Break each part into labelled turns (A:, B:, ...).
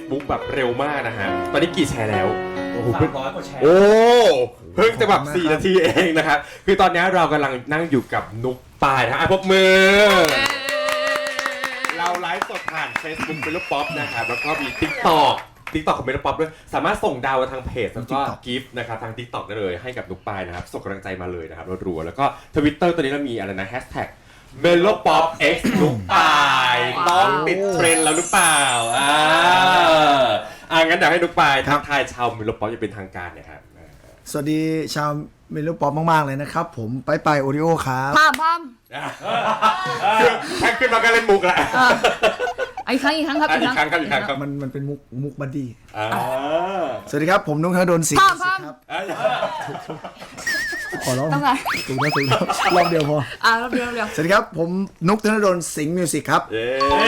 A: Facebook แบบเร็วมากนะฮะตอนนี้กี่แชร์แล้วโอ้โห
B: 300 กว่าแชร์
A: โอ้เพิ่งจะแบบ4 นาทีเองนะครับคือตอนนี้เรากำลังนั่งอยู่กับนุกปายนะฮะปรบมือเราไลฟ์สดผ่าน Facebook เป็นลูกป๊อปนะครับแล้วก็มี TikTok ของเมโลป๊อปด้วยสามารถส่งดาวมาทางเพจแล้วก็กิฟต์นะครับทาง TikTok ได้เลยให้กับนุกปายนะครับส่งกำลังใจมาเลยนะครับรัวๆแล้วก็ Twitter ตัวนี้เรามีอะไรนะ Hashtag #melopopx นุกปายต้องติดเทรนด์แล้วหรือเปล่างั้นเดี๋ยวให้นุกปายทักทายชาวเมโลป๊อปจะเป็นทางการเนี่ยครับ
C: สวัสดีชาวเมโลป๊อปมากๆเลยนะครับผมไปโอริโอครับ
D: พาม
A: แค่ขึ้นมาก็เล่นมุกละ
D: อีกครั้งครับ
A: อีกครั้งครับ
C: มันเป็นมุกบัดดี้
A: ส
C: สวัสดีครับผมนุ๊กธนดลสิงห์
D: พาม
C: ครับขอร้อง
D: ต้องไง
C: ถูกแล้วรอบเดียวพอ
D: รอบเดียว
C: สวัสดีครับผมนุ๊กธนดลสิงห์มิวสิกครับ
A: เย้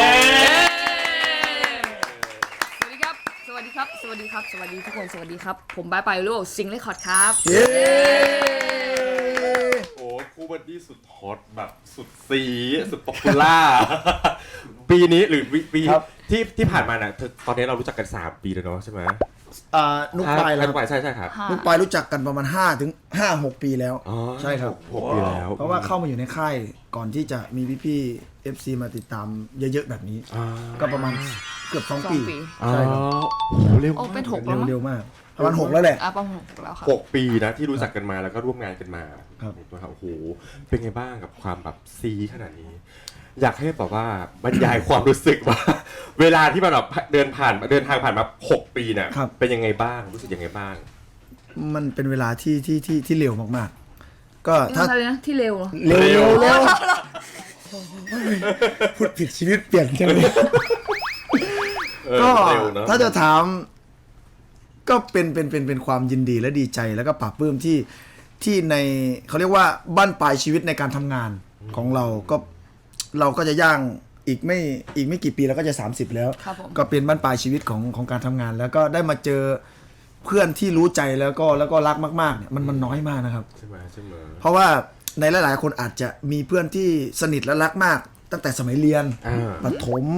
D: สวัสดีครับสวัสดีทุกคนสวัสดีครับผมบายไปลูกซิงเลคคอร์ดครับ
C: เย้
A: โอ้คู่บัดดี้สุดฮอตแบบสุดซีสุดป๊อปปูล่าปีนี้หรือปีที่ผ่านมาน่ะตอนนี้เรารู้จักกัน3 ปีแล้วเนาะใช่ไหม
C: นุ๊กปายแล้ว
A: นุ๊กปายใช่ครับ
C: นุ๊กปายรู้จักกันประมาณ5-6 ปีแล้วใช่ครับ
A: 6 ปีแล้ว
C: เพราะว่าเข้ามาอยู่ในค่ายก่อนที่จะมีพี่ๆ FC มาติดตามเยอะๆแบบนี้ก็ประมาณเกือบ2 ปีใช่ครับ
A: โอ้โหเร็ว
D: โอ้เป็น6แล้วมั้ง
C: เร็วมากประมาณ6แล้วแหละ
D: ประมาณ6แล้วครับ
A: 6 ปีนะที่รู้จักกันมาแล้วก็ร่วมงานกันมา
C: ครับ
A: โอ้โหเป็นไงบ้างกับความแบบซีขนาดนี้ อยากให้แบบว่าบรรยายความรู้สึกว่า เวลาที่มันแบบเดินทางผ่านมา6 ปีเนี่ยเป็นยังไงบ้างรู้สึกยังไงบ้าง
C: มันเป็นเวลาที่เร็วมากๆก็ถ้า
D: อะไรนะที่เร็ว
C: เร็วพูดผิดชีวิตเปลี่ยนใช่ไหมก็ถ้าจะถามก็เป็นความยินดีและดีใจแล้วก็ปลาบปลื้มที่ในเขาเรียกว่าบั้นปลายชีวิตในการทำงานของเราก็จะย่างอีกไม่กี่ปีแล้วก็จะ30แล้วก็เป็นบั้นปลายชีวิตของการทำงาน แล้วก็ได้มาเจอเพื่อนที่รู้ใจแล้วก็รักมากๆเนี่ยมันน้อยมากนะครับ
A: ใช่ไหม
C: เพราะว่าในหลายๆคนอาจจะมีเพื่อนที่สนิทและรักมากตั้งแต่สมัยเรียนประถม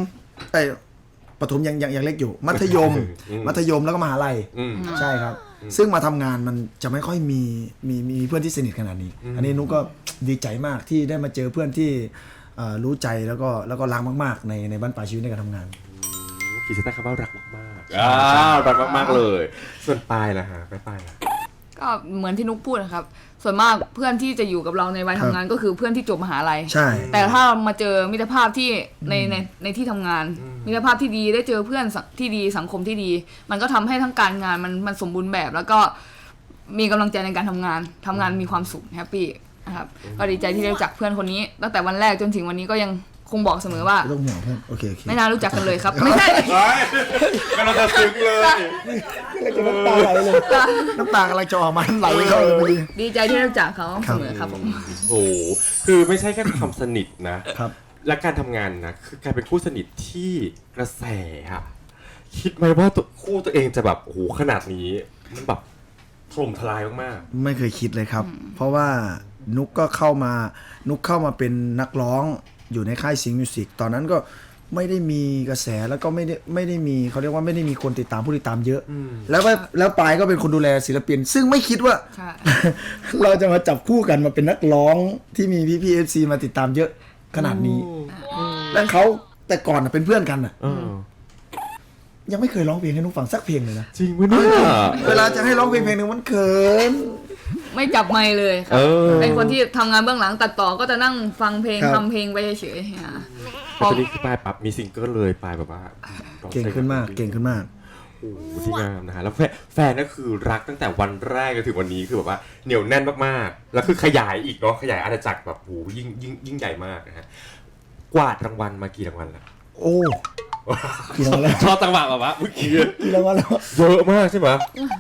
C: ยังเล็กอยู่มัธยมแล้วก็มหาลัยใช่ครับซึ่งมาทำงานมันจะไม่ค่อยมีเพื่อนที่สนิทขนาดนี้อันนี้นุ๊กก็ดีใจมากที่ได้มาเจอเพื่อนที่รู้ใจแล้วก็รักมากๆในบ้านปลายชีวิตในการทำงาน
A: ขีดเส้นใต้คำว่ารักมากๆรักมากๆเลยส่วนปลายล่ะฮะปลาย
D: ก็เหมือนที่นุ๊กพูดนะครับส่วนมากเพื่อนที่จะอยู่กับเราในวัยทำงานก็คือเพื่อนที่จบมหาลัย
C: ใช่
D: แต่ถ้ามาเจอมิตรภาพที่ในที่ทำงานมิตรภาพที่ดีได้เจอเพื่อนที่ดีสังคมที่ดีมันก็ทำให้ทั้งการงานมันสมบูรณ์แบบแล้วก็มีกำลังใจในการทำงานมีความสุขแฮปปี้นะครับก็ดีใจที่ได้รู้จักเพื่อนคนนี้ตั้งแต่วันแรกจนถึงวันนี้ก็ยังคงบอกเสมอว่า
C: ไม่ต้องห่วงเพื่อนโอเค
D: ไม่น่ารู้จักกันเลยครับไม่ใช่
A: กำลังจะซึ้งเลย
C: น้ำตาไหลเลยน้ำตากำลังจะออกมาไหลเข้าเลยพอดี
D: ดีใจที่ได้รู้จักเขาเสมอครับผม
A: โอ้คือไม่ใช่แค่ความสนิทนะครับและการทำงานนะคือการเป็นคู่สนิทที่กระแสอะคิดไหมว่าคู่ตัวเองจะแบบโอ้โหขนาดนี้มันแบบถล่มทลายมาก
C: ๆไม่เคยคิดเลยครับเพราะว่านุกเข้ามาเป็นนักร้องอยู่ในค่ายสิงห์มิวสิกตอนนั้นก็ไม่ได้มีกระแสแล้วก็ไม่ได้มีเขาเรียกว่าไม่ได้มีคนติดตามผู้ติดตามเยอะแล้วปายก็เป็นคนดูแลศิลปินซึ่งไม่คิดว่า เราจะมาจับคู่กันมาเป็นนักร้องที่มีพี่ FC มาติดตามเยอะขนาดนี้และเขาแต่ก่อนเป็นเพื่อนกันน่ะยังไม่เคยร้องเพลงให้นุ๊กฟังสักเพลงเลยนะ
A: จริงมั้ยเนี่ย
C: เวลาจะให้ร้องเพลงนึงมันเขิน
D: ไม่จับไมค์เลยครับเป็นคนที่ทำงานเบื้องหลังตัดต่อก็จะนั่งฟังเพลงทำเพลงไปเฉยๆ
A: ตอนนี้ปลายปั๊บมีซิงเกิลเลยปลายแบบว่า
C: เก่งขึ้นมาก
A: โอ้โหที่งามนะฮะแล้วแฟนก็คือรักตั้งแต่วันแรกจนถึงวันนี้คือแบบว่าเหนียวแน่นมากๆแล้วคือขยายอีกเนาะขยายอาณาจักรแบบโหยิ่งใหญ่มากนะฮะกวาดรางวัลมากี่รางวัลแล้ว
C: โอ้กี่รางวัลแล้ว
A: ชอบจังหวะแบบว่า
C: กี่รางวัลแล้ว
A: เยอะมากใช่ไหม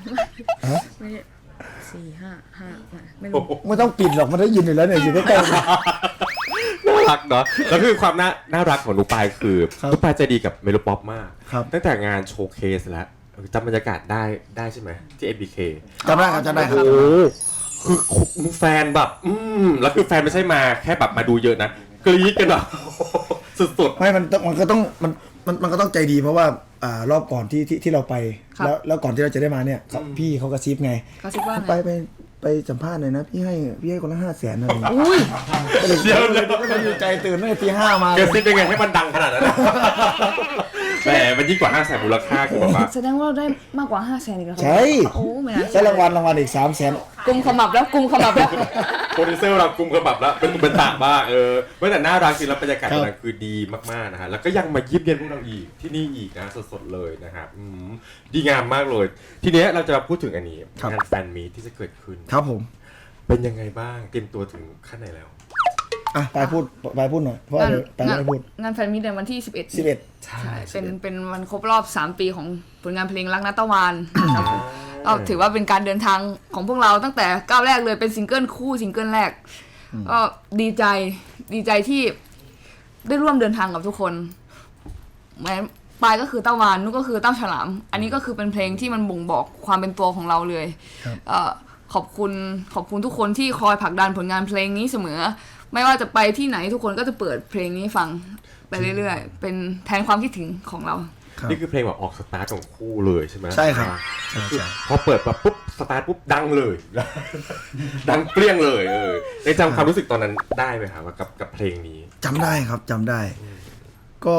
D: 4-5
C: ไม่ต้องปิดหรอกมันได้ยินอยู่แล้วเนี่ยอยู่ใกล้ๆ
A: น่ารักเนาะแล้วคือความน่ารักของลูกปายคือลูกปายใจดีกับเมโลป๊อปมากตั้งแต่งานโชว์เคสแล้วจำบรรยากาศได้ใช่ไหมที่ MBK
C: จำได้ครับ
A: โอ้คือแฟนแบบแล้วคือแฟนไม่ใช่มาแค่แบบมาดูเยอะนะกรี๊ดกันอ่ะสุดๆ
C: ไม่มันก็ต้องใจดีเพราะว่ารอบก่อนที่เราไป
D: ครับ
C: แล้วก่อนที่เราจะได้มาเนี่ยพี่เขากระซิบไง
D: กระซิบว่าไง
C: ไปสัมภาษณ์หน่อยนะพี่ให้คนละ500,000อะไรอย่างเงี้ย
D: อุ้ย
A: เดี๋ยว
C: ก็เลยดีใจตื่นตั้งแต่ตี 5มาก
A: ระซิบยังไงให้มันดังขนาดนั้นแหมมันยิ่งกว่า500,000มูลค่าคือแบบว่า
D: แสดงว่าเราได้มากกว่า500,000อีกแล้วครับ
C: ใช่
D: โอ้ไม่น่า
C: ได้รางวัลอีก300,000
D: กุมขมับแล้วกุมขมับแล้ว
A: โปรดิวเซอร์เรากุมกระบับแล้วเป็นตาบ้าไม่แต่น่ารักจริงแล้วบรรยากาศ
C: ครับ
A: ตอนนั้นคือดีมากๆนะฮะแล้วก็ยังมาเยี่ยมเยียนพวกเราอีกที่นี่อีกนะสดๆเลยนะครับดีงามมากเลย ทีเนี้ยเราจะมาพูดถึงอันนี้งานแฟนมีตที่จะเกิดขึ้น
C: ครับผม
A: เป็นยังไงบ้างเตรียมตัวถึงขั้นไหนแล้ว
C: อ่ะไปพูดหน่อยเพราะว่าเดี๋ยวไปไม่ได้พูด
D: งานแฟนมิตรในวันที่ 11
C: 11
D: ใช่เป็นวันครบรอบ 3 ปีของผลงานเพลงรักนัตตะวานครับผมก็ถือว่าเป็นการเดินทางของพวกเราตั้งแต่ก้าวแรกเลยเป็นซิงเกิลคู่ซิงเกิลแรกก็ดีใจที่ได้ร่วมเดินทางกับทุกคนแม้ปายก็คือเต้าวานนุกก็คือเต้าฉลาม อันนี้ก็คือเป็นเพลงที่มันบ่งบอกความเป็นตัวของเราเลยขอบคุณทุกคนที่คอยผลักดันผลงานเพลงนี้เสมอ ไม่ว่าจะไปที่ไหนทุกคนก็จะเปิดเพลงนี้ฟังไปเรื่อยๆเป็นแทนความคิดถึงของเรา
C: ครับ
A: นี่คือเพลงแบบออกสตาร์ทของคู่เลยใช่ไหม
C: ใช่ครับใช่
A: พอเปิดแบบปุ๊บสตาร์ทปุ๊บดังเลย ดังเปรี้ยงเลยได้จำความรู้สึกตอนนั้นได้ไหมครับกับเพลงนี้
C: จำได้ครับจำได้ ก็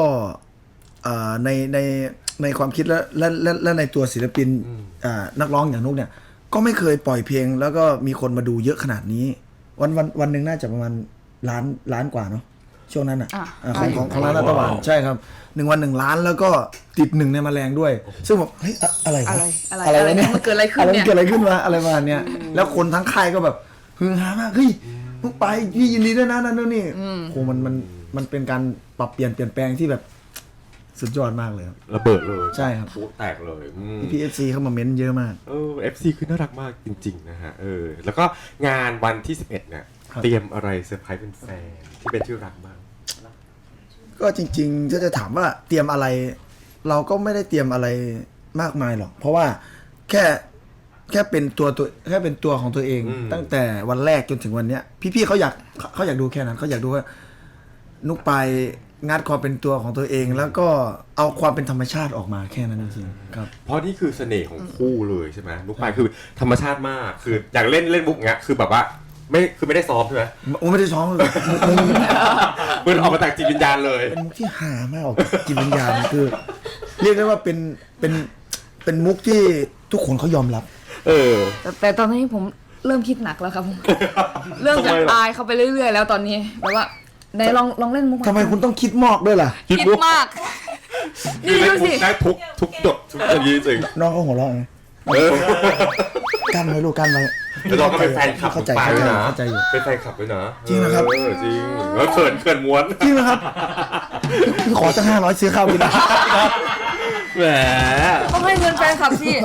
C: ในความคิดและในตัวศิลปินนักร้องอย่างนุกเนี่ยก็ไม่เคยปล่อยเพลงแล้วก็มีคนมาดูเยอะขนาดนี้วันหนึ่งน่าจะประมาณล้านกว่าเนาะช่วงนั้นอ่ะของร้านรัตะวันใช่ครับ1 วัน 1 ล้านแล้วก็ติด1ในแมลงด้วย ซึ่งแบบเฮ้ยอะไรวะ
D: อะไร
C: วะเนี่ย
D: มันเกิดอะไรขึ้น
C: อะไร
D: เนี่
C: มัน
D: ย
C: เกิดอะไรขึ้นวะอะไรประมาณเนี้ยแล้วคนทั้งค่ายก็แบบฮือฮามากเฮ้ยมึงไปพี่ยินดีด้วยนะนั่นนี่โหมันเป็นการปรับเปลี่ยนแปลงที่แบบสุดยอดมากเลยครับ
A: ระเบิดเลย
C: ใช่ครับ
A: โอ้แตกเลย
C: PFC เข้ามาเม้นเยอะมาก
A: FC คือน่ารักมากจริงๆนะฮะแล้วก็งานวันที่11เนี่ย
C: ครับ
A: เตรียมอะไรเซอร์ไพรส์เป็นแฟนที่เป็นที่รักบ้าง
C: ก็จริงๆถ้าจะถามว่าเตรียมอะไร เราก็ไม่ได้เตรียมอะไรมากมายหรอก เพราะว่าแค่เป็นตัวของตัวเอง ตั้งแต่วันแรกจนถึงวันเนี้ยพี่ๆเขาอยากดูแค่นั้นเขาอยากดูว่านุกไปงัดความเป็นตัวของตัวเอง แล้วก็เอาความเป็นธรรมชาติออกมาแค่นั้นจริงๆครับ
A: เพราะนี่คือเสน่ห์ของคู่เลยใช่ไหมลูกปลายคือธรรมชาติมากคืออยากเล่นมุกเงี้ยคือแบบว่าไม่ได้ซ้อมใช่ไหม
C: โอ้ไม่ได้ซ้อมเลย
A: มันออกมาจากจิตวิญญาณเลย
C: เป็นมุกที่หามากออกจากจิตวิญญาณคือ เรียกได้ว่าเป็นมุกที่ทุกคนเขายอมรับ
D: แต่ตอนนี้ผมเริ่มคิดหนักแล้วครับ เริ่มจากอายเขาไปเรื่อยๆแล้วตอนนี้แบบว่าไหนลองเล่นมุก
C: ทำไมคุณต้องคิดมอกด้วยล่ะ
D: คิดมาก
A: คือ
D: นี่
A: เล่น
D: ดู
A: มุ
D: สิ
A: กได้ทุกจบทุกอย่างจริง
C: น้องเขาหัวเราะไงกั้นไว้ลูกกั้นไว้
A: แล้วเราก็เป็นแฟนคลับ
C: เข้าใจ
A: ปลายด้วยนะ
C: เข้าใจอยู่
A: เป็นแฟนคลับด้วยนะ
C: จริงนะครับ
A: จริงแล้วเขินม้วน
C: จริงนะครับขอตั้ง500ซื้อข้าวกินนะ
A: แหม
D: ต้องให้เงินแฟนคลับสิ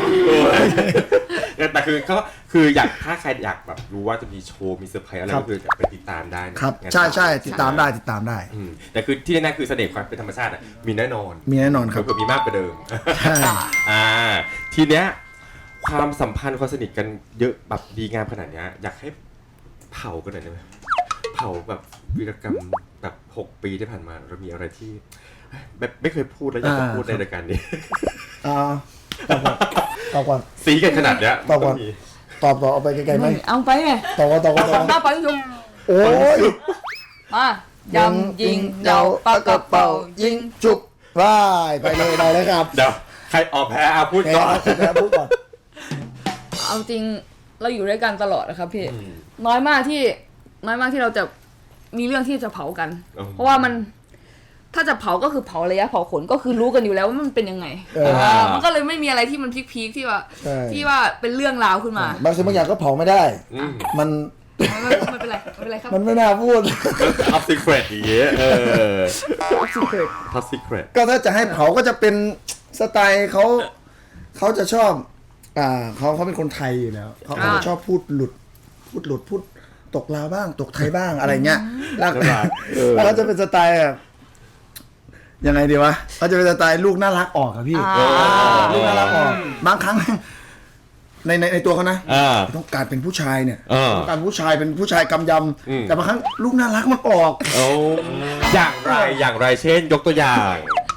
A: แต่คืออยากถ้าใครอยากแบบรู้ว่าจะมีโชว์มีเซอร์ไพรส์อะไรก็คือไปติดตามได้นะครับ
C: ใช่ติดตามได้
A: แต่คือที่แน่ๆคือเสน่ห์ความเป็นธรรมชาติมีแน่นอน
C: มีแน่นอนครับ
A: เผื่อมีมากกว่าเดิม
C: ใช่
A: ทีเนี้ยความสัมพันธ์ความสนิทกันเยอะแบบดีงามขนาดเนี้ยอยากให้เผากันหน่อยได้ไหมเผาแบบวีรกรรมแบบ6 ปีที่ผ่านมาเรามีอะไรที่แบบไม่เคยพูดแล้วอยากจะพูดในรายการนี้
C: ตอบก่อน
A: ซีกันขนาดเนี้ย
C: ตอบก่อน ตอบต่อเอาไปไกลๆไหม
D: เอาไปไง
C: ตอบก่อน
D: หน้าปังยุง
C: โอ้ย
D: มายำยิงเดาปากกระเป๋ายิง
C: จุบว่ายไปเลยได้เลยครับ
A: เดี๋ยวใครออกแพ้พูด
C: แพ้
A: ก่อน
C: พูดก่อน
D: เอาจริงเราอยู่ด้วยกันตลอดนะครับพี่น้อยมากที่เราจะมีเรื่องที่จะเผากัน เพราะว่ามันถ้าจะเผาก็คือเผาระยะเผาขนก็คือรู้กันอยู่แล้วว่ามันเป็นยังไงมันก็เลยไม่มีอะไรที่มันพีคๆที่ว่าเป็นเรื่องราวขึ้นมา
C: บางสิ่งบางอย่างก็เผาไม่ได้ มัน
D: ไม่เป็นไรครับ
C: มันไม่น่าพูด
A: ท็อปซีเครตอย่างเงี้ยท็อปซีเครต
C: ก็ถ้าจะให้เผาก็จะเป็นสไตล์เขาจะชอบเขาเป็นคนไทยอยู่แล้วเขาจะชอบพูดหลุดพูดตกลาวบ้างตกไทยบ้างอะไรเงี้ยแล้วเขาจะเป็นสไตล์แบบยังไงดีวะเขาจะเป็นสไตล์ลูกน่ารักออกอะพี่ลูกน่ารักออกบางครั้งในตัวเขานะต้องการเป็นผู้ชายเนี่ยต้องการผู้ชายเป็นผู้ชายกำยำแต่บางครั้งลูกน่ารักมันออก
A: อย่างไรเช่นยกตัวอย่าง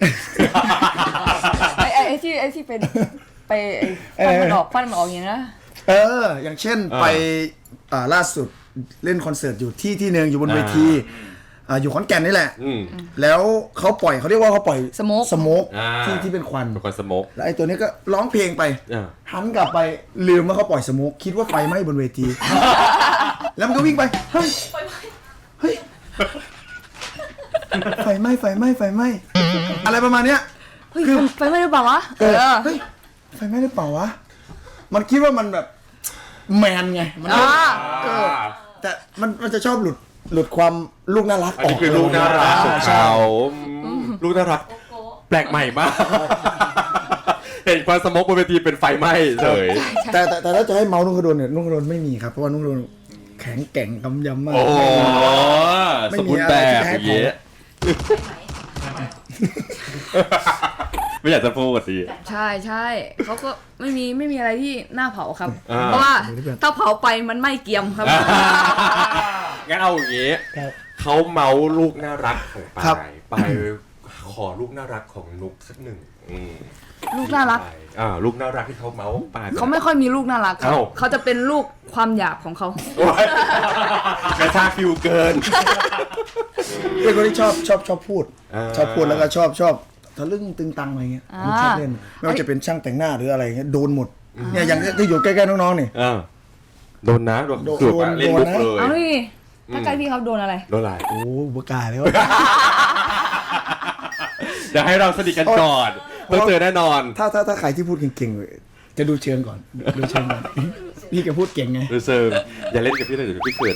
D: ไอ้ที่เป็นไปฟันมันออกอย่างนี้นะ
C: อย่างเช่นไปล่าสุดเล่นคอนเสิร์ตอยู่ที่หนึ่งอยู่บนเวทีอยู่ขอนแก่นนี่แหละแล้วเขาเรียกว่าเขาปล่อยสโมกที่เป็นควัน
A: เป็นควันสโมก
C: แล้วไอ้ตัวนี้ก็ร้องเพลงไปหันกลับไปลืมว่าเขาปล่อยสโมกคิดว่าไฟไหม้บนเวทีแล้วมันก็วิ่งไปเฮ้ยไฟไหม้อะไรประมาณเนี้ย
D: คือไฟไหม้หรือเปล่าวะ
C: เฮ้ยไฟไหม้หรือเปล่าวะมันคิดว่ามันแบบแมนไงมันแต่มันจะชอบหลุดความลูกน่ารักออก
A: คือลูกน่ารักของเขาลูกน่ารักแปลกใหม่มากเห็นควันสโมกบนเวทีเป็นไฟไหม้เลย
C: แต่ถ้าจะให้เมาส์นุ่งกระโดนเนี่ยนุ่งกระโดนไม่มีครับเพราะว่านุ่งกระโดนแข็งแกร่งกำยำมาก
A: โอ้สมบูรณ์แบบอย่างเงี้ยไม่อยากจะพูดสิ
D: ใช่เขาก็ไม่มีอะไรที่น่าเผาครับเพราะว่าถ้าเผาไปมันไม่เกรียมครับ
A: งั้นเอาอย่างงี้เขาเมาลูกน่ารักของไปขอลูกน่ารักของนุกสักหนึ่ง
D: ลูกน่ารัก
A: ลูกน่ารักที่เขาเมาไป
D: เขาไม่ค่อยมีลูกน่ารักครับเขาจะเป็นลูกความหยาบของเขา
A: กระชากฟิวเกิน
C: เป็นคนที่ชอบพูดแล้วก็ชอบทะลึ่งตึงตังอะไรเงี้ยชอบเล่นไม่ว่าจะเป็นช่างแต่งหน้าหรืออะไรเงี้ยโดนหมดเนี่ยอย่างที่อยู่ใกล้ๆน้องๆนี่
A: โดนนะโดนเล่นมุกเลย
D: เอาดิถ้าใกล้พี่เขาโดนอะไร
C: โอ้บุกาเลยวะ
A: เดี๋ยวให้เราสนิทกันก่อนต้องเจอแน่นอน
C: ถ้าใครที่พูดเก่งๆจะดูเชิงก่อนพี่แกพูดเก่งไง
A: ดูเชิงอย่าเล่นกับพี่เลยเดี๋ยวพี่เกิน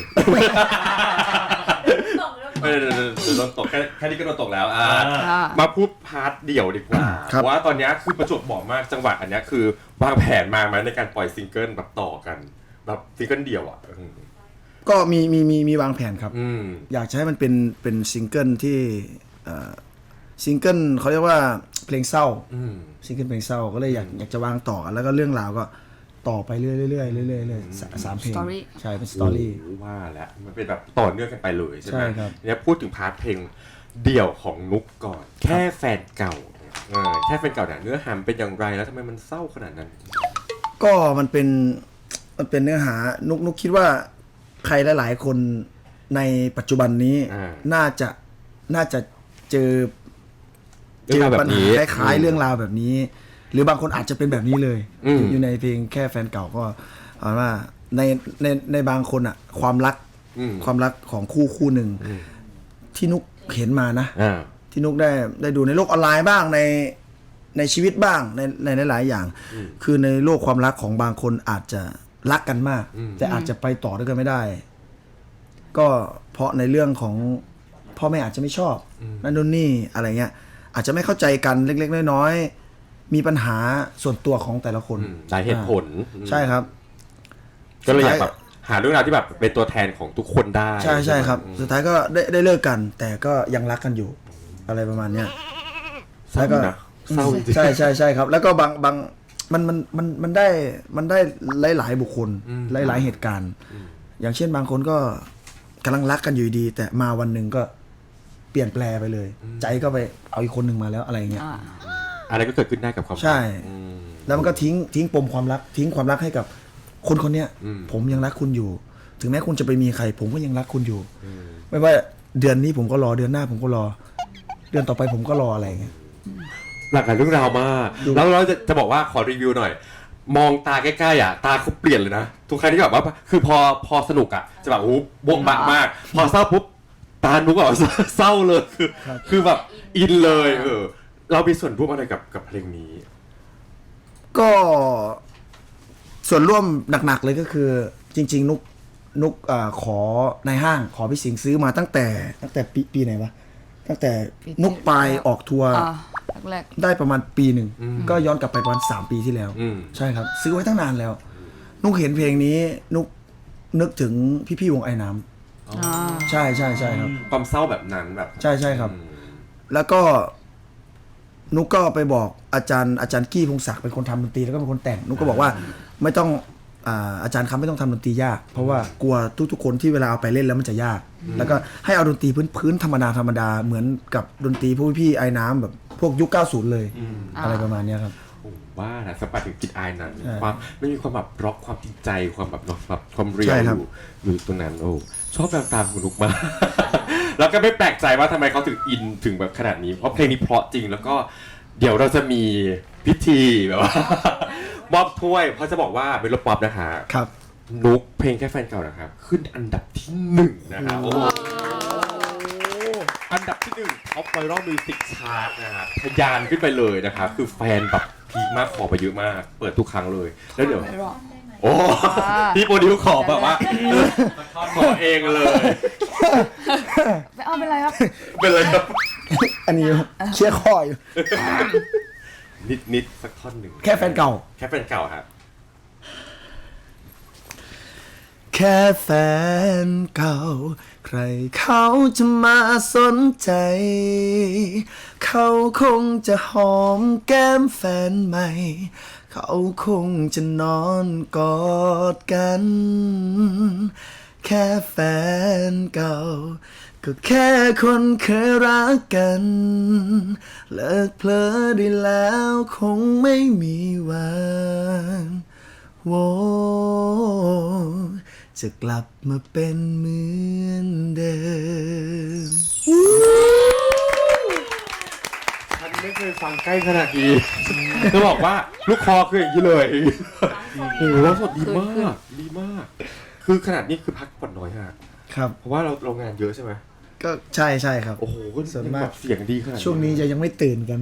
A: โดนตกแค่นี้ก็โดนตกแล้วมาพูดพาร์ทเดี่ยวดีกว่าว่าตอนนี้คือประจวบเหมาะมากจังหวะอันนี้คือวางแผนมาไหมในการปล่อยซิงเกิลแบบต่อกันแบบซิงเกิลเดี่ยวอ่ะ
C: ก็มีวางแผนครับอยากจะให้มันเป็นซิงเกิลที่ซิงเกิลเขาเรียกว่าเพลงเศร้าซิงเกิลเพลงเศร้าก็เลยอยากจะวางต่อแล้วก็เรื่องราวก็ต่อไปเรื่อย3เพลงใช่เป็นสตอรี่
A: ว่าแล้วมันเป็นแบบต่อเนื่องกันไปเลยใช่ไหม
C: ครับ
A: เนี่ยพูดถึงพาร์ทเพลงเดี่ยวของนุกก่อนแค่แฟนเก่าแค่แฟนเก่าเนี่ยเนื้อหาเป็นอย่างไรแล้วทำไมมันเศร้าขนาดนั้น
C: ก็มันเป็นเนื้อหานุกคิดว่าใครหลายๆคนในปัจจุบันนี้น่าจะเจอปัญหาคล้ายๆเรื่องราวแบบนี้หรือบางคนอาจจะเป็นแบบนี้เลยอยู่ในเพลงแค่แฟนเก่าก็เอาว่าในบางคนอ่ะความรักของคู่หนึ่งที่นุกเห็นมานะที่นุกได้ดูในโลกออนไลน์บ้างในชีวิตบ้างในหลายๆอย่างคือในโลกความรักของบางคนอาจจะรักกันมากแต่อาจจะไปต่อด้วยกันไม่ได้ก็เพราะในเรื่องของพ่อแม่อาจจะไม่ชอบนั่นนู่นนี่อะไรเงี้ยอาจจะไม่เข้าใจกันเล็กๆน้อยๆมีปัญหาส่วนตัวของแต่ละคน
A: หลายเหตุผล
C: ใช่ครับ
A: ก็เลยอยากแบบหาเรื่องราวที่แบบเป็นตัวแทนของทุกคนได้
C: ใช่ครับสุดท้ายก็ได้เลิกกันแต่ก็ยังรักกันอยู่อะไรประมาณเนี้ย
A: แล้วก็เศร้าจริง
C: ใช่ครับแล้วก็บางมันได้หลายบุคคลหลายเหตุการณ์อย่างเช่นบางคนก็กำลังรักกันอยู่ดีแต่มาวันหนึ่งก็เปลี่ยนแปลไปเลยใจก็ไปเอาอีกคนหนึ่งมาแล้วอะไรเงี้ย
A: อะไรก็เกิดขึ้นได้กับความ
C: ใช่แล้วมันก็ทิ้งปมความรักทิ้งความรักให้กับคนเนี้ยผมยังรักคุณอยู่ถึงแม้คุณจะไปมีใครผมก็ยังรักคุณอยู่ไม่ว่าเดือนนี้ผมก็รอเดือนหน้าผมก็รอเดือนต่อไปผมก็รออะไรเงี้ย
A: หลากหลายเรื่องราวมากแล้วเราจะบอกว่าขอรีวิวหน่อยมองตาใกล้ๆอ่ะตาเขาเปลี่ยนเลยนะทุกครั้งที่แบบว่าคือพอสนุกอ่ะจะแบบโอ้บวกบะมากพอเศร้าปุ๊บตานุกแบบเศร้าเลยคือแบบอินเลยเรามีส่วนร่วมอะไรกับเพลงนี้
C: ก็ส่วนร่วมหนักๆเลยก็คือจริงๆนุกขอในห้างขอพี่สิงห์ซื้อมาตั้งแต่ปีไหนวะตั้งแต่นุกปลายออกทัวร์ได้ประมาณปีหนึ่งก็ย้อนกลับไปประมาณ3 ปีที่แล้วใช่ครับซื้อไว้ตั้งนานแล้วนุกเห็นเพลงนี้นุกนึกถึงพี่วงไอ้น้ำใช่ครับ
A: ความเศร้าแบบนั้นแบบ
C: ใช่ครับแล้วก็นุกก็ไปบอกอาจารย์กี้พงศักดิ์เป็นคนทำดนตรีแล้วก็เป็นคนแต่งนุกก็บอกว่าไม่ต้องอาจารย์ครับไม่ต้องทำดนตรียากเพราะว่ากลัวทุกคนที่เวลาเอาไปเล่นแล้วมันจะยากแล้วก็ให้เอาดนตรีพื้นธรรมดาเหมือนกับดนตรีพวกพี่ไอ้น้ำแบบพวกยุค 90 เลย อะไรประมาณเนี้ยครับ
A: ผมว่านะสปาถึงกินอายนั้น
C: ใช่
A: ความไม่มีความแบบร็อกความจริงใจความแบบเนาะแบบความเรีย
C: ใช่
A: ล
C: ครั
A: อบ ยู่ตรงนั้นโอ้ชอบแววตาคุณนุกมาก แล้วก็ไม่แปลกใจว่าทำไมเขาถึงอินถึงแบบขนาดนี้เพราะเพลงนี้เพราะจริงแล้วก็เดี๋ยวเราจะมีพิธีแบบว่า มอบถ้วยเพราะจะบอกว่าเป็นรถป๊อปนะคะ
C: ครับ
A: นุกเพลงแค่แฟนเก่านะครับขึ้นอันดับที่1นะครับโอ้โหอันดับที่1ท็อปไวรัลมิวสิกชาร์ตนะครับทะยานขึ้นไปเลยนะครับคือแฟนแบบพีคมากขอไปเยอะมาก เปิดทุกครั้งเลยแล้วเดี๋ยว
D: ไม่รอด
A: โอ้พี่โปรดิวขอแบบว่าขอเองเลย
D: ไม่เอาเป็นไรครับ
A: เป็นเลยครับ
C: อันนี้เชี่ยร์คออยู่
A: นิดสักท่อนหนึ่ง
C: แค่แฟนเก่า
A: แค่แฟนเก่าครับ
C: แค่แฟนเก่า ใครเขาจะมาสนใจ เขาคงจะหอมแก้มแฟนใหม่ เขาคงจะนอนกอดกัน แค่แฟนเก่า ก็แค่คนเคยรักกัน เลิกเพลอได้แล้วคงไม่มีวันโวจะกลับมาเป็นเหมือนเดิม
A: ฉันไม่เคยฟังใกล้ขนาดนี้จะบอกว่าลูกคอคืออย่างนี้เลยโอ้โหแล้วสดดีมากดีมาก คือขนาดนี้คือพักผ่อนน้อยฮะ
C: ครับ
A: เพราะว่าเรางานเยอะใช่ไหม
C: ก็ใช่ใช่ครับ
A: โอ้โห
C: ส่วนมาก
A: แบบเสียงดีขนาด
C: ช่วงนี้จะยังไม่ตื่นกัน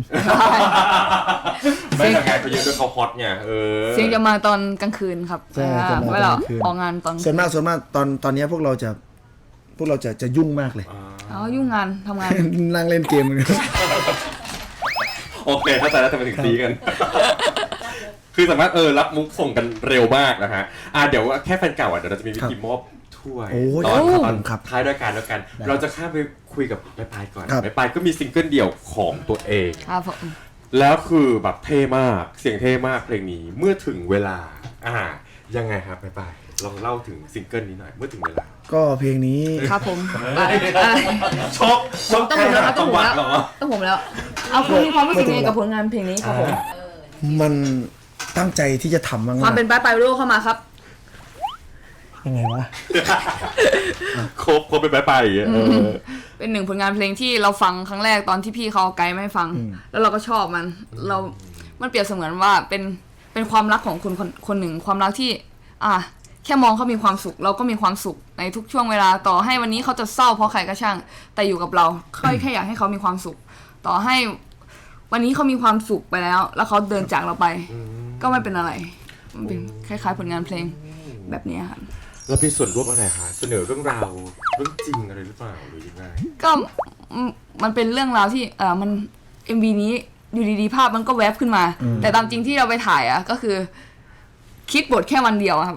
A: ไม่แต่งานเขาเยอะด้วยเขาฮอตไง
D: เสียงจะมาตอนกลางคืนครับ
C: ใช่จะมา
D: เวลา
C: ตอนกลางคืน
D: ออกงานตอน
C: ส่วนมากตอนนี้พวกเราจะยุ่งมากเลย
D: อ๋อยุ่งงานทำงาน
C: นั่งเล่นเกมกัน
A: โอเคเข้าใจแล้วทำไมถึงซีกัน คือสามารถรับมุกส่งกันเร็วมากนะฮะเดี๋ยวแค่แฟนเก่าเดี๋ยวเราจะมีวิธีมอบถ้วย
C: โอ้ย
A: ตอน
C: ครับ
A: ท้ายด้วยกันแล้วกัน เราจะข้ามไปคุยกับแม่ปายก่อน
C: ครับ
A: แม่ปายก็มีซิงเกิลเดี่ยวของตัวเอง
D: ครับผม
A: แล้วคือแบบเท่มากเสียงเท่มากเพลงนี้เมื่อถึงเวลายังไงครับแม่ปายลองเล่าถึงซิงเกิลนี้หน่อยเมื่อถึงเวลา
C: ก็เพลงนี้
D: ครับผม
A: ชก
D: ต้องผมแล้วครับต้องผมแล้ว
A: เหรอ
D: ต้องผมแล้ว เอาคุณมีความรู้สึกยังไงกับผลงานเพลงนี้ครับผม
C: มันตั้งใจที่จะทำมาก
D: ความเป็นป้ายปลายโลกเข้ามาครับ
C: ๆยังไงวะ
A: ครบเป็นแม่ปายอย่างเงี้ย
D: เป็นหนึ่งผลงานเพลงที่เราฟังครั้งแรกตอนที่พี่เขาเอาไกด์มาให้ฟัง แล้วเราก็ชอบมันมันเปรียบเสมือนว่าเป็นความรักของคนหนึ่งความรักที่แค่มองเขามีความสุขเราก็มีความสุขในทุกช่วงเวลาต่อให้วันนี้เขาจะเศร้าเพราะใครก็ช่าง แต่อยู่กับเราแค่อยากให้เขามีความสุข ต่อให้วันนี้เขามีความสุขไปแล้วเขาเดินจากเราไป ก็ไม่เป็นอะไรมันเป็นคล้ายๆผลงานเพลงแบบนี้ครับ
A: เรามีส่วนร่วมอะไรคะเสนอเรื่องราวเรื่องจริงอะไรหรือเปล่าหรือยังไง
D: ก็มันเป็นเรื่องราวที่มัน MV นี้อยู่ดีๆภาพมันก็แวบขึ้นมา แต่ตามจริงที่เราไปถ่ายก็คือ คิดบทแค่วันเดียวครับ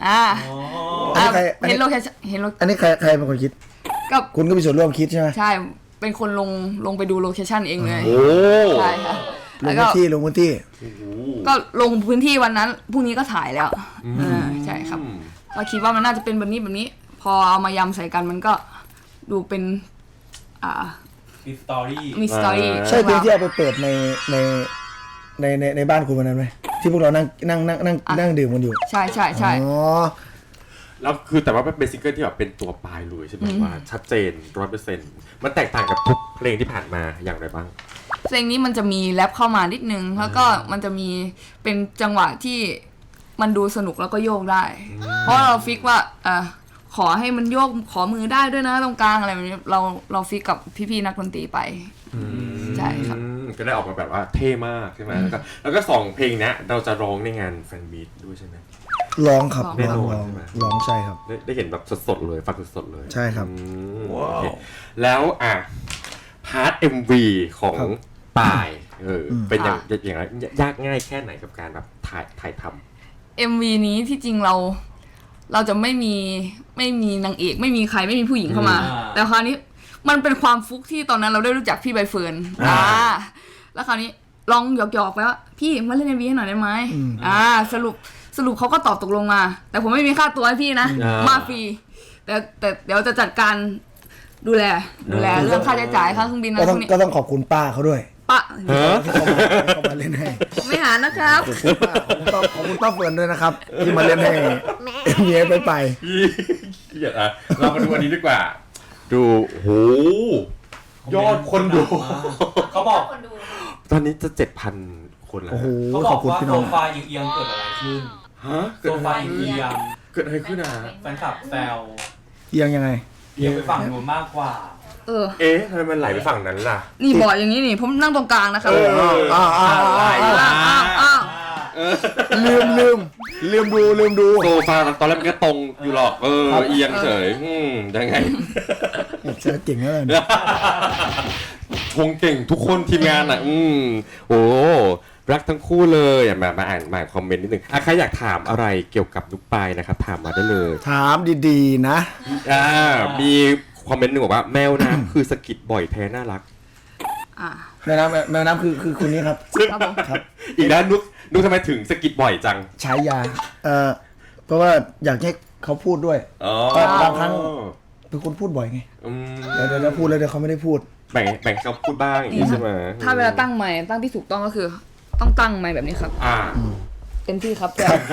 D: เห็นโลเคชั่นเห็นโล
C: อันนี้ใครเป็นคนคิด
D: ก็
C: คุณก็มีส่วนร่วมคิดใช่ไหม
D: ใช่เป็นคนลงไปดูโลเคชั่นเองเลย
A: โอ้
D: ใช่ค่ะ
C: ล
D: แล้
C: ง
D: วก็
C: พื้นที่ลงพื้นที่
D: ก็ลงพื้นที่วันนั้นพรุ่งนี้ก็ถ่ายแล้วใช่ครับเราคิดว่ามันน่าจะเป็นแบบนี้ พอเอามายำใส่กันมันก็ดูเป็น
B: มีสตอรี่
D: มีสตอรี่
C: ใช่เพลงที่เอาไปเปิดในบ้านคุณวันนั้นไหมที่พวกเรานั่งดื่มกันอยู่
D: ใช่
C: อ๋อ
A: แล้วคือแต่ว่ามันเป็นซิงเกิลที่แบบเป็นตัวปลายเลยใช่ไหมว่าชัดเจน100%มันแตกต่างกับทุกเพลงที่ผ่านมาอย่างไรบ้าง
D: เพลงนี้มันจะมีแรปเข้ามานิดนึงแล้วก็มันจะมีเป็นจังหวะที่มันดูสนุกแล้วก็โยกได้ เพราะเราฟิกว่าขอให้มันโยกขอมือได้ด้วยนะตรงกลางอะไรแบบนี้เราฟิกกับพี่ๆนักดนตรีไปใช่ครับ
A: ก็ได้ออกมาแบบว่าเท่มากใช่ไหมแล้วก็2เพลงนี้เราจะร้องในงานแฟนมีตด้วยใช่ไหม
C: ร้องครับ
A: แน่นอน
C: ร้อง
A: ใช่ไหม
C: ร้องใช่ครับ
A: ได้เห็นแบบสดๆเลยฟังสดๆเลย
C: ใช่ครับ
A: โอเคแล้วพาร์ท MV ของ
C: ครับ
A: ปายเป็นอย่างไรยากง่ายแค่ไหนกับการแบบถ่ายทำ
D: MV นี้ที่จริงเราจะไม่มีนางเอกไม่มีใครไม่มีผู้หญิงเข้ามา แต่คราวนี้มันเป็นความฟุกที่ตอนนั้นเราได้รู้จักพี่ใบเฟิร์นแล้วคราวนี้ลองหยอกๆไปว่าพี่มาเล่น MV ให้หน่อยได้ไหมสรุปเขาก็ตอบตกลงมา แต่ผมไม่มีค่าตัวให้พี่นะมาฟรีแต่เดี๋ยวจะจัดการดูแลเรื่องค่าใช้จ่ายค่าเครื่องบินอะไรพวกนี้
C: ก็ต้องขอบคุณป้าเขาด้วย
D: ปะ
A: ฮะ
C: ที่เขามาเล่นให้
D: ไม่หานะครับ
C: ขอบคุณป้าเฟิร์นด้วยนะครับ ที่มาเล่นให้เมียไป
A: เหี้ยอะเรามาดูอันนี้ดีกว่า ดูโหยอดคนดู
B: เขาบอก
A: ตอนนี้จะ 7,000 คนแล้ว
C: โอ้โห
B: เขาบ
C: ข
B: อ
C: อบ
B: ก
C: คุณ
B: ว่า
C: พี่
B: โซ
C: น้อง
B: ฟาเอียงๆเกิดอะไรขึ้น
A: ฮะ
B: โซฟาเอียง
A: เกิดอะไรขึ้นอ่ะ
B: แฟนคลับแซว
C: เอียงยังไง
B: เอียงไปฝั่งนู้นมากกว่า
D: เออ
A: เอ๊ะทำไมมันไหลไปฝั่งนั้นล่ะ
D: นี่บอร์ดอย่างนี้นี่ผมนั่งตรงกลางนะครับ
A: เออ
C: อ้าว
D: อ้าว
C: ลืมดู
A: โซฟาตอนแรกมันก็ตรงอยู่หรอกเอียงเฉยยังไง
C: เชื่อเก่งแล้วเนี่ย
A: ชงเก่งทุกคนทีมงานอ่ะโอ้รักทั้งคู่เลยมาอ่านคอมเมนต์นิดนึงใครอยากถามอะไรเกี่ยวกับนุกปายนะครับถามมาได้เลย
C: ถามดีๆนะ
A: มีคอมเมนต์หนึ่งบอกว่าแมวน้ำคือสะกิดบ่อยแท้น่ารัก
D: อ่า
C: แม่น้ำคือคุณนี้ครับ
D: ครับผม
C: ครับ
A: อีกแล้วนุกทำไมถึงสะกิดบ่อยจัง
C: ใช้ยาเพราะว่าอยากให้เขาพูดด้วย
A: อ๋อ
C: บางครั้ง เป็นคนพูดบ่อยไง เดี๋ยวพูดแล้วเดี๋ยวเขาไม่ได้พูด
A: แบ่งให้เขาพูดบ้างอย่างนี้ใช่ไหม
D: ถ้าเวลาตั้งไมค์ตั้งที่ถูกต้องก็คือ ต้องตั้งไมค์แบบนี้ครับ เต็มที่ครับ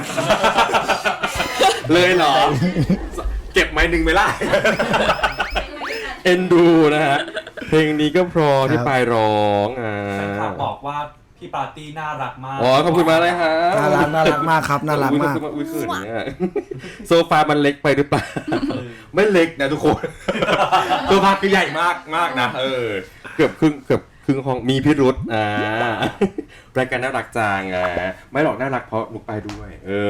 A: เลยเหรอ เก็บไม้หนึ่งไหมล่ะ เอ็นดูนะฮะ เพลงนี้ก็เพราะที่ปลายร้อง
B: แฟนคลับบอกว่าพี่ปาร์ตี้น่ารักมาก
A: อ๋อขอบคุณมากเลยฮะ
C: น่ารักมากครับน่ารักมาก
A: อุ้ยขืนเนี่ยโซฟามันเล็กไปหรือเปล่า ไม่เล็กนะทุกคน โซฟาคือใหญ่มากนะเกือบครึ่งห้องมีพิรุษรายการน่ารักจังไม่หรอกน่ารักเพราะนุกไปด้วย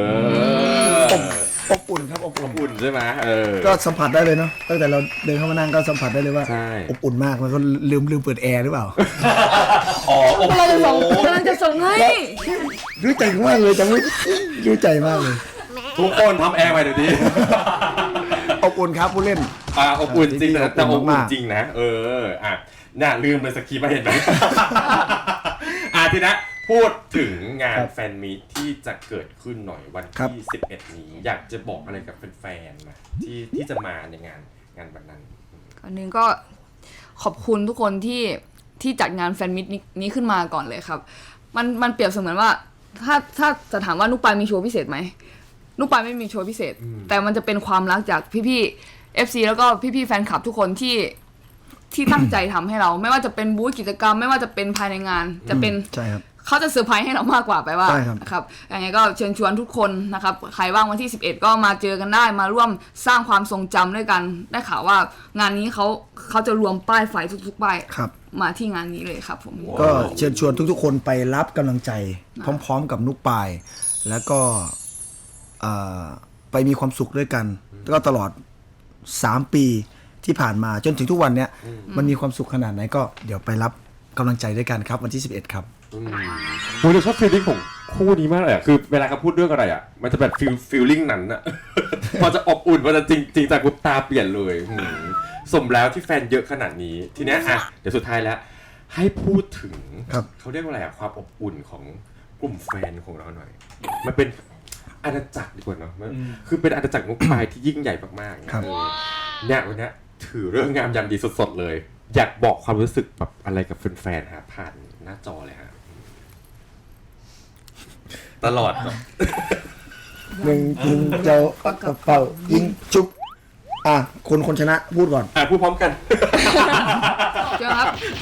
C: อบอุ่นครับอบอุ่น
A: อุ่นใช่ไหม
C: ก็สัมผัสได้เลยเนาะตั้งแต่เราเดินเข้ามานั่งก็สัมผัสได้เลยว่า
A: ใช่
C: อบอุ่นมากมันก็ลืมเปิดแอร์หรือเปล่า
A: อ๋อ
D: เราจะส่งให้
C: รู้ใจมากเลยจังไม่รู้ใจมากเลย
A: ทุกคนทำแอร์ใหม่เดี๋ยวนี้
C: อบอุ่นครับผู้เล่น
A: อบอุ่นจริงแต่อบอุ่น
C: มาก
A: จริงนะน่าลืมเลยสกีมาเห็นไหม ทีนะพูดถึงงานแฟนมีตที่จะเกิดขึ้นหน่อยวันที่ 11 นี้อยากจะบอกอะไรกับแฟนๆนะที่จะมาในงานวันนั้น
D: อันนึงก็ขอบคุณทุกคนที่จัดงานแฟนมิตนี้ขึ้นมาก่อนเลยครับ มันเปรียบเสมือนว่าถ้าจะถามว่านุกปายมีโชว์พิเศษไหมนุกปายไม่มีโชว์พิเศษ แต่มันจะเป็นความรักจากพี่ๆ FC แล้วก็พี่ๆแฟนคลับทุกคนที่ตั้งใจทำให้เรา ไม่ว่าจะเป็นบูธกิจกรรม ไม่ว่าจะเป็นภายในงานจะเป็น
C: ใช่ครับ
D: เขาจะเซอร์ไพรส์ให้เรามากกว่าไปว่า
C: ใช่ครับ
D: นะครับยังไงก็เชิญชวนทุกคนนะครับใครว่างวันที่ 11 ก็มาเจอกันได้มาร่วมสร้างความทรงจำด้วยกันได้ข่าวว่างานนี้เขาจะรวมป้ายไฟทุกๆป้าย
C: ครับ
D: มาที่งานนี้เลยครับผม
C: ก็เชิญชวนทุกๆคนไปรับกำลังใจ พร้อมๆกับนุกปาย แล้วก็ไปมีความสุขด้วยกันแล้วก็ตลอด3 ปีที่ผ่านมาจนถึงทุกวันเนี้ยมันมีความสุขขนาดไหนก็เดี๋ยวไปรับกำลังใจด้วยกันครับวันที่ 11 ครับ
A: โอ้ยเราชอบฟีลลิ่งของคู่นี้มากเลยคือเวลาเขาพูดเรื่องอะไรมันจะแบบฟีลลิ่งนั้นอะ พอจะอบอุ่นพอจะจริงจากปุ๊บตาเปลี่ยนเลยสมแล้วที่แฟนเยอะขนาดนี้ทีเนี้ยเดี๋ยวสุดท้ายแล้วให้พูดถึง
C: ครับ
A: เขาเรียกว่าอะไรความอบอุ่นของกลุ่มแฟนของเราหน่อยมันเป็นอาณาจักรดีกว่าเนาะคือเป็นอาณาจักรนุกปายที่ยิ่งใหญ่มากๆ
C: ครับ
A: เนี่ยวันนี้ถือเรื่องงามยามดีสดๆเลย อยากบอกความรู้สึกแบบอะไรกับแฟนๆฮะผ่านหน้าจอเลยฮะตลอดครับ
C: หนึ่งยิงเจ้ากระเป๋ายิงชุบคนชนะพูดก่อน
A: พูดพร้อมกัน
D: เจ้าครับ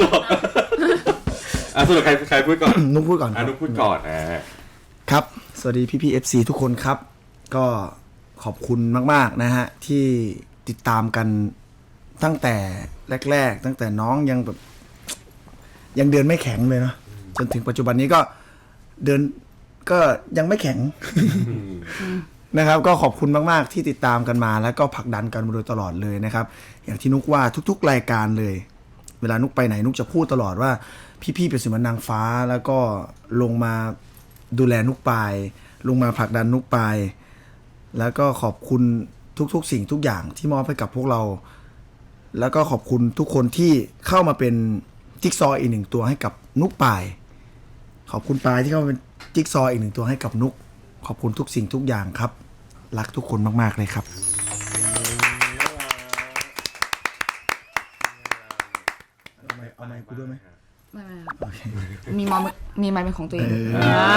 A: สรุปใครพูดก่อน
C: นุกพูดก่อน
A: นุกพูดก่อน
C: ครับสวัสดีพี่ๆ FC ทุกคนครับ ก็ขอบคุณมากๆนะฮะที่ติดตามกันตั้งแต่แรกๆตั้งแต่น้องยังแบบยังเดินไม่แข็งเลยเนาะจนถึงปัจจุบันนี้ก็เดินก็ยังไม่แข็ง นะครับก็ขอบคุณมากๆที่ติดตามกันมาแล้วก็ผลักดันกันมาโดยตลอดเลยนะครับอย่างที่นุกว่าทุกๆรายการเลยเวลานุกไปไหนนุกจะพูดตลอดว่าพี่ๆเป็นเสมือนนางฟ้าแล้วก็ลงมาดูแลนุกปายลงมาผลักดันนุกปายแล้วก็ขอบคุณทุกๆสิ่งทุกอย่างที่มอบให้กับพวกเราแล้วก็ขอบคุณทุกคนที่เข้ามาเป็นจิ๊กซอว์อีกหนึ่งตัวให้กับนุกปายขอบคุณปายที่เข้ามาเป็นจิ๊กซอว์อีกหนึ่งตัวให้กับนุกขอบคุณทุกสิ่งทุกอย่างครับรักทุกคนมากๆเลยครับเอาไมค์กูด้วยไหม
D: ไม่ครับมีไมค์เป็นของตัวเอง
A: อ่า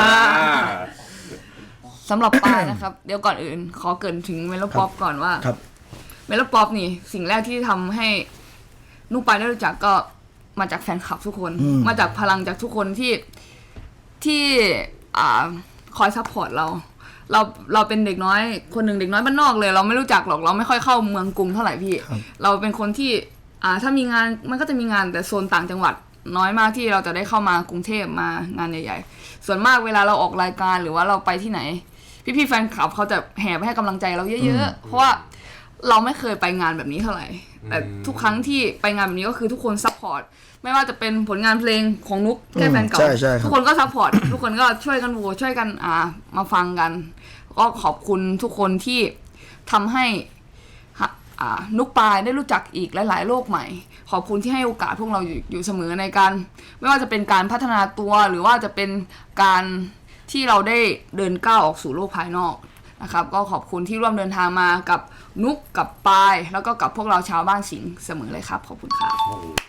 D: สำหรับปายนะครับ เดี๋ยวก่อนอื่น ขอเกริ่นถึงเมโลป๊อปก่อนว่า
C: ครับ
D: เมโลป๊อปนี่สิ่งแรกที่ทำให้นุกปายได้รู้จักก็มาจากแฟนคลับทุกคน มาจากพลังจากทุกคนที่คอยซัพพอร์ตเราเป็นเด็กน้อยคนหนึ่งเด็กน้อยบ้านนอกเลย เราไม่รู้จักหรอกเราไม่ค่อยเข้าเมืองกรุงเท่าไหร่พี่ เราเป็นคนที่ถ้ามีงานมันก็จะมีงานแต่โซนต่างจังหวัดน้อยมากที่เราจะได้เข้ามากรุงเทพมางานใหญ่ๆส่วนมากเวลาเราออกรายการหรือว่าเราไปที่ไหนพี่ๆแฟนคลับเขาจะแห่ไปให้กำลังใจเราเยอะๆเพราะว่าเราไม่เคยไปงานแบบนี้เท่าไหร่แต่ทุกครั้งที่ไปงานแบบนี้ก็คือทุกคนซัพพอร์ตไม่ว่าจะเป็นผลงานเพลงของนุกแค่แฟนเก่า
C: ใช่
D: ทุกคนก็ซัพพอร์ตทุกคนก็ช่วยกันโหวตช่วยกันมาฟังกันก็ขอบคุณทุกคนที่ทำให้นุกปายได้รู้จักอีกหลายๆโลกใหม่ขอบคุณที่ให้โอกาสพวกเราอยู่เสมอในการไม่ว่าจะเป็นการพัฒนาตัวหรือว่าจะเป็นการที่เราได้เดินก้าวออกสู่โลกภายนอกนะครับก็ขอบคุณที่ร่วมเดินทางมากับนุกกับปายแล้วก็กับพวกเราชาวบ้านสิงห์เสมอเลยครับขอบคุณครับ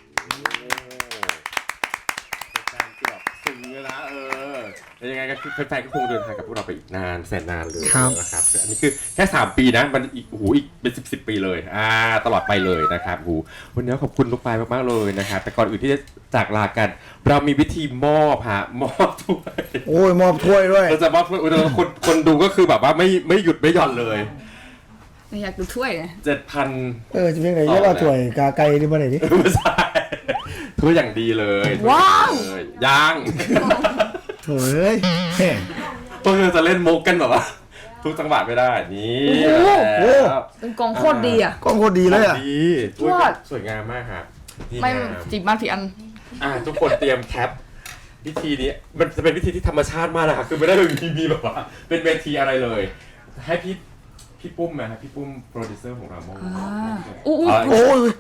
A: การที่แบบซึ้งเลยนะแล้วยังไงก็คือแฟนๆก็คงเดินทางกับพวกเราไปอีกนานแสนนานเลย
C: ครับ
A: นะครับอันนี้คือแค่3 ปีนะมันอีกอีกเป็น10 ปีเลยตลอดไปเลยนะครับวันนี้ขอบคุณลูกปลายมากๆเลยนะครับแต่ก่อนอื่นที่จะจากลากัน เรามีวิธีมอบถ้วย
C: โอ้ยมอบถ้วยด้วย
A: เราจะมอบถ้วยคนดูก็คือแบบว่าไม่หยุดไม่หย่อนเลย
D: อยากดูถ้วยเลย
A: 7,000
C: จะเป็นไงเรียกว่าถ้วยกาไก่ที่มาไหนดิ
A: ไม่ใช่ถ้วยอย่างดีเลย
D: ว้าว
A: ยัง
C: โถ่เอ้ยแหม
A: พวกเราจะเล่นมุกกันแบบว่าทุกจังหวะไม่ได้นี่
C: โอ้โห
D: เป็นกองโคตรดีอ่ะ
C: กล้องโคตรดีเลยอ่ะ
A: ดีถ้วย
D: ยอด
A: สวยงามมากครับดี
D: ไม่
A: งาม
D: จีบมาผิดอัน
A: ทุกคนเตรียมแคปวิธีนี้มันจะเป็นวิธีที่ธรรมชาติมากนะครับคือไม่ได้มีแบบว่าเป็นเวทีอะไรเลย ให้พี่ปุ้มนะพี่ปุ้มโปรดิวเซอร์ของเรามอง
D: อู้
C: โอ้ย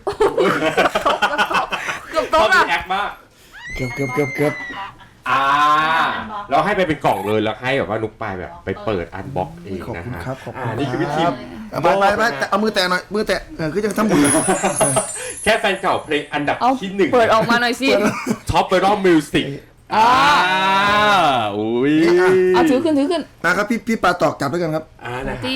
D: เกือบ
A: ต้
D: โต๊ะ
A: องมี
D: อ่ะ
A: แอคมาก
C: เกือบ
A: แล้วให้ไปเป็นกล่องเลยแล้วให้แบบว่านุกปายแบบไปเปิดอันบ็อกเอง
C: ขอบ
A: นะ
C: คุณ
A: ฮะ
C: ครับขอบคุณ
A: นี่คือวิธี
C: ไปแต่เอามือแตะหน่อยมือแตะคือจะทำบุญ
A: แค่แฟนเก่าเพลงอันดับ
D: เอา
A: ที่ 1
D: เปิดออกมาหน่อยสิ
A: ท็อปไวรัลมิวสิกอุ้ย
D: เอาถือขึ้น
C: นะครับพี่ปลาตอกจับด้วยกันครับ
A: นะ
D: ที่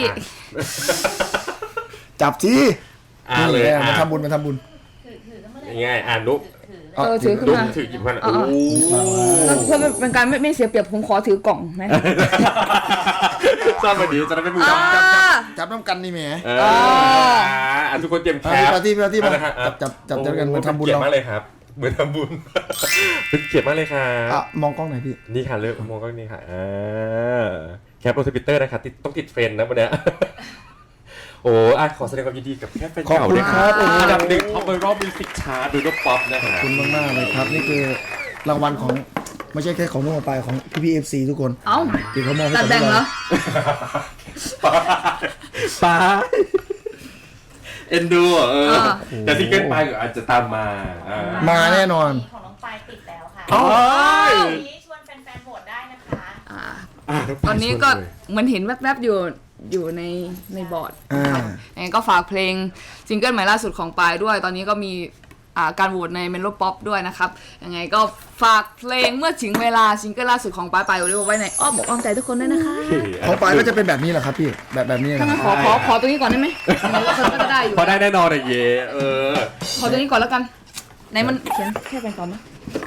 C: จับที
A: นี่เลย
C: มาทำบุญ
A: ง่ายนุก
D: ถือขึ้น
A: นุก
D: มา
A: ถือหยิบมัน
D: เพื่อเป็นการไม่เสียเปรียบผมขอถือกล่องไหม
A: ซ่อนมาดีจะได้ไม่มือ
C: จับน้ำกันนี่แหม
A: ทุกคนเตรียมแคป
C: ปาร์ตี้มาจับกันมาทำบุญ
A: เกียร
C: เรา
A: ติมากเลยครับเหมือนทำบุญเป็นเกียรติมากเลยครับ
C: มองกล้องหน่อยพี่
A: นี่ค่ะเลิกมองก็นี่ค่ะแคปโรทวิตเตอร์นะครับต้องติดเทรนด์นะวันนี้โอ้ขอแสดงความยินดีกับแค่แฟนเก่าด้วยครับอันดับ1ท็อปไวรัลมิวสิกชาร์ตดูดป๊อปนะค
C: ข
A: รั
C: อบบ คุณมากๆเลยครับนี่คือรางวัลของไม่ใช่แค่ของนุ่มปลายของพี่ๆ FC ทุกคน
D: เอ้า
C: ที่เขามอบให้
D: ตัด
C: กับ
D: แบ่งเหรอ
A: ป้าเอ็นดูแต่ซิงเกิลไปอาจจะตามมา
C: มาแน่นอน
E: ของน้องปายติดแล้วค่ะ
C: อ๋อ
E: วันนี้ชวนแฟนๆโหวตได้นะคะ
D: ตอนนี้ก็เหมือนเห็นแวบๆอยู่ในบอร์ดนะครับยังไงก็ฝากเพลงซิงเกิลใหม่ล่าสุดของปายด้วย ตอนนี้ก็มีการโหวตในเมโลป๊อปด้วยนะครับยังไงก็ฝากเพลงเมื่อถึงเวลาซิงเกิลล่าสุดของปายไว้ในอ้อมอกอ้อมใจทุกคนด้วยนะคะ
C: ของปลายก็จะเป็นแบบนี้แหละครับพี่แบบนี้นะ
D: ถ้างั้นขอตัวนี้ก่อนได้ไหมมันก็จะได้อยู่
A: พอได้แน่นอนเลยเย่
D: ขอตัวนี้ก่อนแล้วกันไหนมันเขียนแค่เป็นก่อนไหม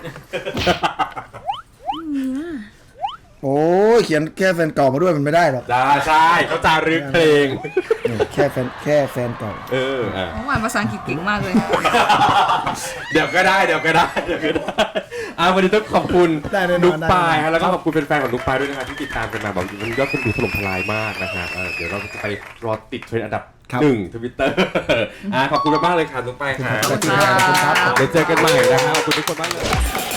C: โอ้ยเขียนแค่แฟนเก่ามาด้วยมันไม่ได้หรอก
A: ใช่เขาจารึกเพลง
C: แค่แฟนเก่า
D: น้องหวานภาษาอังกฤษเก่งมากเลย
A: เดี๋ยวก็ได้วันนี้ต้องขอบคุณนุกปายแล้วก็ขอบคุณแฟนๆของนุกปายด้วยนะครับที่ติดตามกันมาบอกมันยอดคนดูถล่มทลายมากนะครับเดี๋ยวเราจะไปรอติดเทรนด์อันดับ1 Twitter ขอบคุณมากเลยค่ะนุกปายครับ
C: ขอบคุณครับ
A: เดี๋ยวเจอกันใหม่นะครับขอบคุณทุกคนมากเลย